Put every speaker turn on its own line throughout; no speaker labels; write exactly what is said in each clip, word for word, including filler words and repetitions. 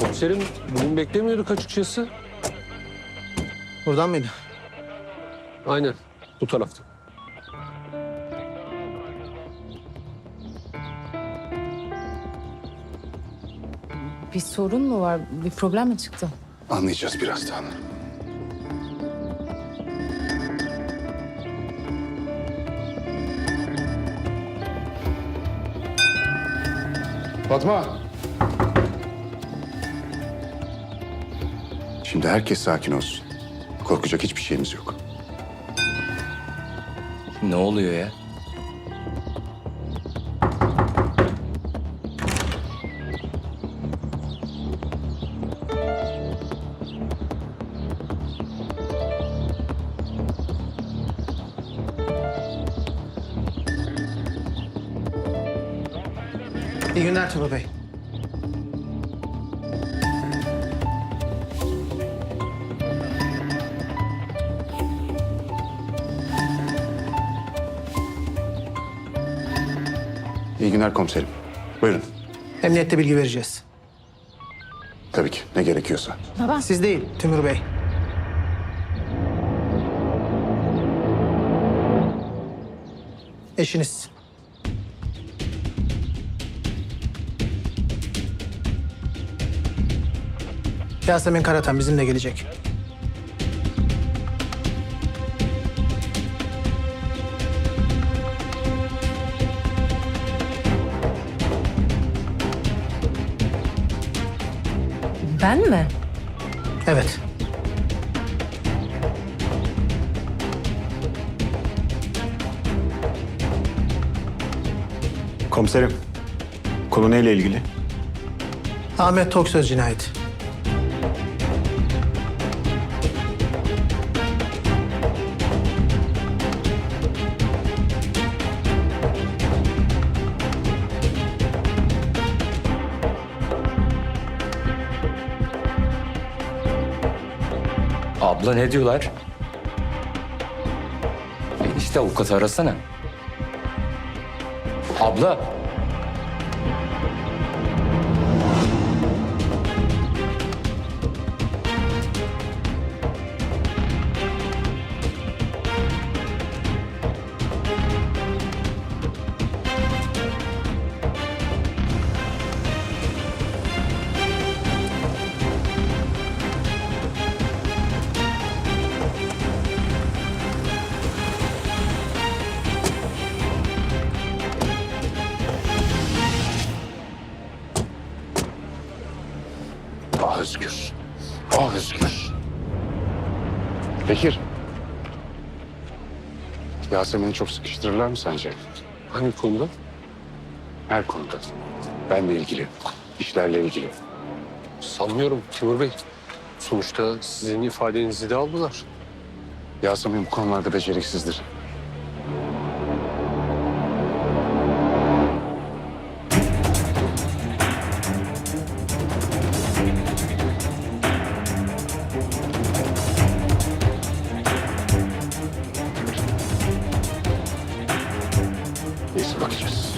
Komiserim bugün beklemiyorduk açıkçası.
Buradan mıydı?
Aynen bu tarafta.
Bir sorun mu var? Bir problem mi çıktı?
Anlayacağız birazdan. Fatma. Şimdi herkes sakin olsun. Korkacak hiçbir şeyimiz yok.
Ne oluyor ya?
İyi günler Timur Bey.
İyi günler komiserim. Buyurun.
Emniyette bilgi vereceğiz.
Tabii ki ne gerekiyorsa.
Baba.
Siz değil, Timur Bey. Eşiniz. Yasemin Karatan bizimle gelecek.
Ben mi?
Evet.
Komiserim, konu neyle ilgili?
Ahmet Toksöz cinayeti.
Abla ne diyorlar? İşte avukatı arasana. Abla.
Ah Özgür. Ah Özgür. Bekir. Yasemin'i çok sıkıştırırlar mı sence?
Hangi konuda?
Her konuda. Benle ilgili, işlerle ilgili.
Sanmıyorum Timur Bey. Sonuçta sizin ifadenizi de aldılar.
Yasemin bu konularda beceriksizdir. Neyse bakacağız.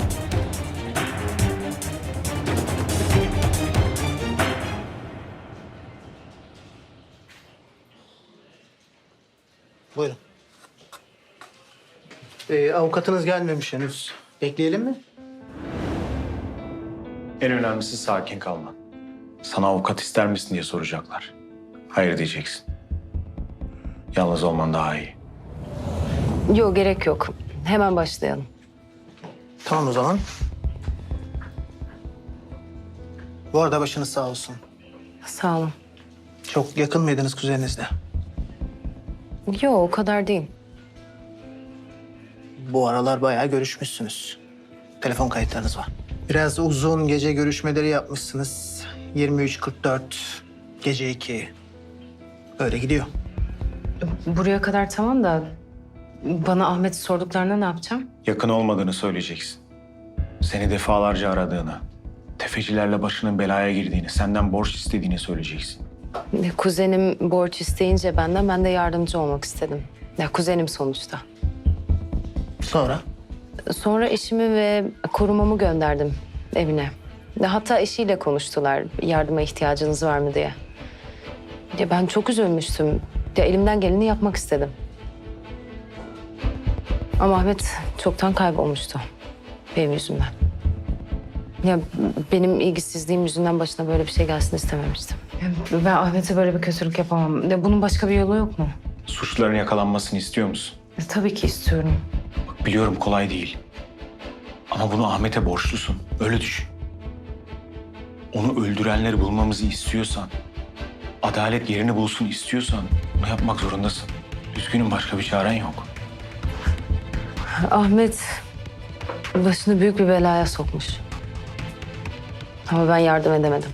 Buyurun. Ee, avukatınız gelmemiş henüz. Bekleyelim mi?
En önemlisi sakin kalman. Sana avukat ister misin diye soracaklar. Hayır diyeceksin. Yalnız olman daha iyi.
Yok, gerek yok. Hemen başlayalım.
Tamam o zaman. Bu arada başınız sağ olsun.
Sağ olun.
Çok yakın mıydınız kuzeninizle?
Yok, o kadar değil.
Bu aralar bayağı görüşmüşsünüz. Telefon kayıtlarınız var. Biraz uzun gece görüşmeleri yapmışsınız. yirmi üç kırk dört, gece iki. Öyle gidiyor.
Buraya kadar tamam da bana Ahmet'i sorduklarında ne yapacağım?
Yakın olmadığını söyleyeceksin. Seni defalarca aradığını, tefecilerle başının belaya girdiğini, senden borç istediğini söyleyeceksin.
Kuzenim borç isteyince benden, ben de yardımcı olmak istedim. Ya kuzenim sonuçta.
Sonra?
Sonra eşimi ve korumamı gönderdim evine. Hatta eşiyle konuştular yardıma ihtiyacınız var mı diye. Ya ben çok üzülmüştüm. Ya elimden geleni yapmak istedim. Ama Ahmet çoktan kaybolmuştu benim yüzümden. Ya benim ilgisizliğim yüzünden başına böyle bir şey gelsin istememiştim. Ya ben Ahmet'e böyle bir kötülük yapamam. Ya bunun başka bir yolu yok mu?
Suçluların yakalanmasını istiyor musun?
Ya tabii ki istiyorum.
Bak biliyorum kolay değil. Ama bunu Ahmet'e borçlusun. Öyle düşün. Onu öldürenleri bulmamızı istiyorsan, adalet yerini bulsun istiyorsan bunu yapmak zorundasın. Üzgünüm, başka bir çaren yok.
Ahmet başını büyük bir belaya sokmuş. Ama ben yardım edemedim.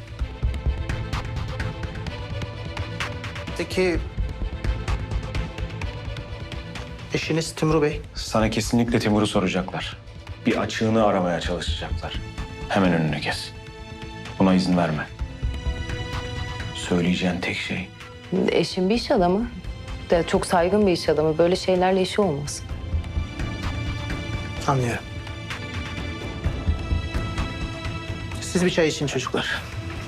Peki eşiniz Timur Bey?
Sana kesinlikle Timur'u soracaklar. Bir açığını aramaya çalışacaklar. Hemen önünü kes. Buna izin verme. Söyleyeceğin tek şey
Eşim bir iş adamı. De çok saygın bir iş adamı. Böyle şeylerle işi olmaz.
Anlıyorum. Siz bir çay için çocuklar.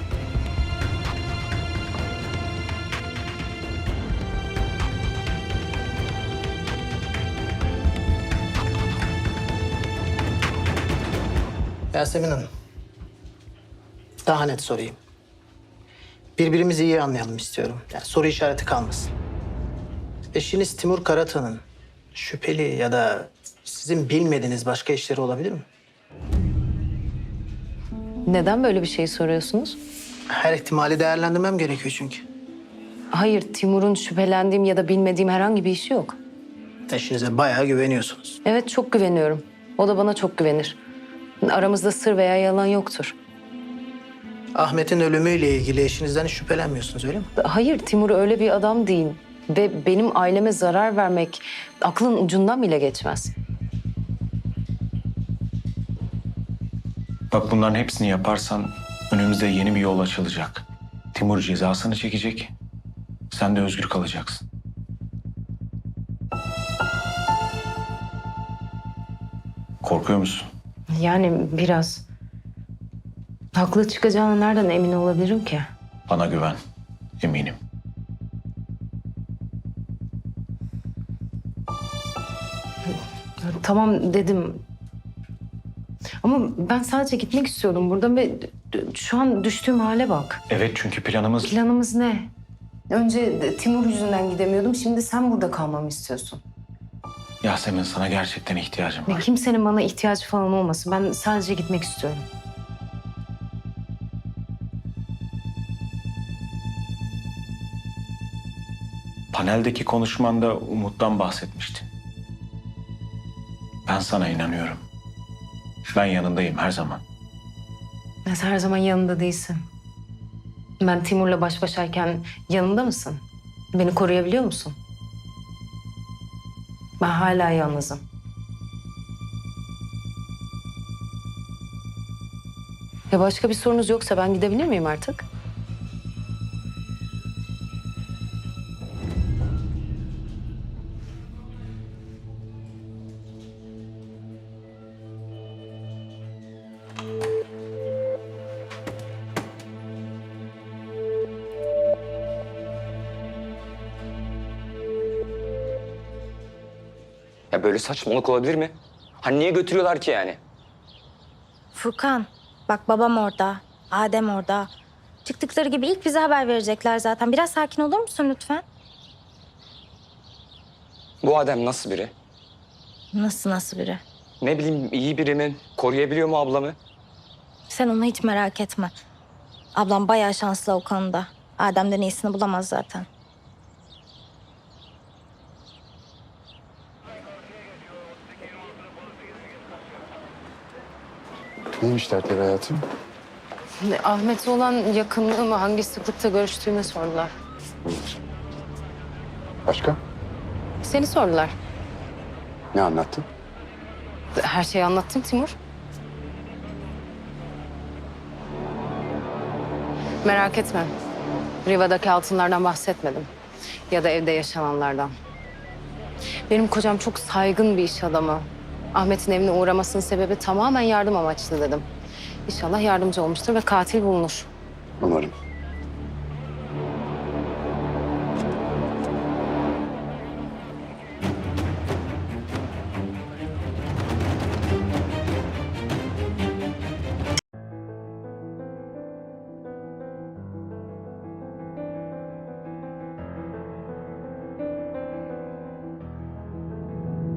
Yasemin Hanım. Daha net sorayım. Birbirimizi iyi anlayalım istiyorum. Yani soru işareti kalmasın. Eşiniz Timur Karatan'ın şüpheli ya da sizin bilmediğiniz başka işleri olabilir mi?
Neden böyle bir şey soruyorsunuz?
Her ihtimali değerlendirmem gerekiyor çünkü.
Hayır, Timur'un şüphelendiğim ya da bilmediğim herhangi bir işi yok.
Eşinize bayağı güveniyorsunuz.
Evet, çok güveniyorum. O da bana çok güvenir. Aramızda sır veya yalan yoktur.
Ahmet'in ölümüyle ilgili eşinizden hiç şüphelenmiyorsunuz öyle mi?
Hayır, Timur öyle bir adam değil. Ve benim aileme zarar vermek aklın ucundan bile geçmez.
bak bunların hepsini yaparsan önümüzde yeni bir yol açılacak. Timur cezasını çekecek. Sen de özgür kalacaksın. Korkuyor musun?
Yani biraz. Haklı çıkacağına nereden emin olabilirim ki?
Bana güven. Eminim.
Tamam dedim. Ama ben sadece gitmek istiyordum buradan ve şu an düştüğüm hale bak.
Evet, çünkü planımız...
Planımız ne? Önce Timur yüzünden gidemiyordum. Şimdi sen burada kalmamı istiyorsun.
Yasemin, sana gerçekten ihtiyacım
Ve
var.
kimsenin bana ihtiyacı falan olmasın. Ben sadece gitmek istiyorum.
Paneldeki konuşmanda Umut'tan bahsetmiştin. Ben sana inanıyorum. Ben yanındayım her zaman.
Sen her zaman yanında değilsin. Ben Timur'la baş başayken yanında mısın? Beni koruyabiliyor musun? Ben hala yalnızım. Ya başka bir sorunuz yoksa ben gidebilir miyim artık?
Ya böyle saçmalık olabilir mi? Hani niye götürüyorlar ki yani?
Furkan, bak babam orada, Adem orada. Çıktıkları gibi ilk bize haber verecekler zaten. Biraz sakin olur musun lütfen?
Bu Adem nasıl biri?
Nasıl nasıl biri?
Ne bileyim, iyi biri mi? Koruyabiliyor mu ablamı?
Sen onu hiç merak etme. Ablam bayağı şanslı o konuda. Adem'den iyisini bulamaz zaten.
Neymiş dertleri hayatım?
Ahmet'e olan yakınlığımı hangi sıklıkta görüştüğümü sordular.
Başka?
Seni sordular.
Ne anlattın?
Her şeyi anlattım Timur. Merak etme. Riva'daki altınlardan bahsetmedim. Ya da evde yaşananlardan. Benim kocam çok saygın bir iş adamı. Ahmet'in evine uğramasının sebebi tamamen yardım amaçlı dedim. İnşallah yardımcı olmuştur ve katil bulunur.
Umarım.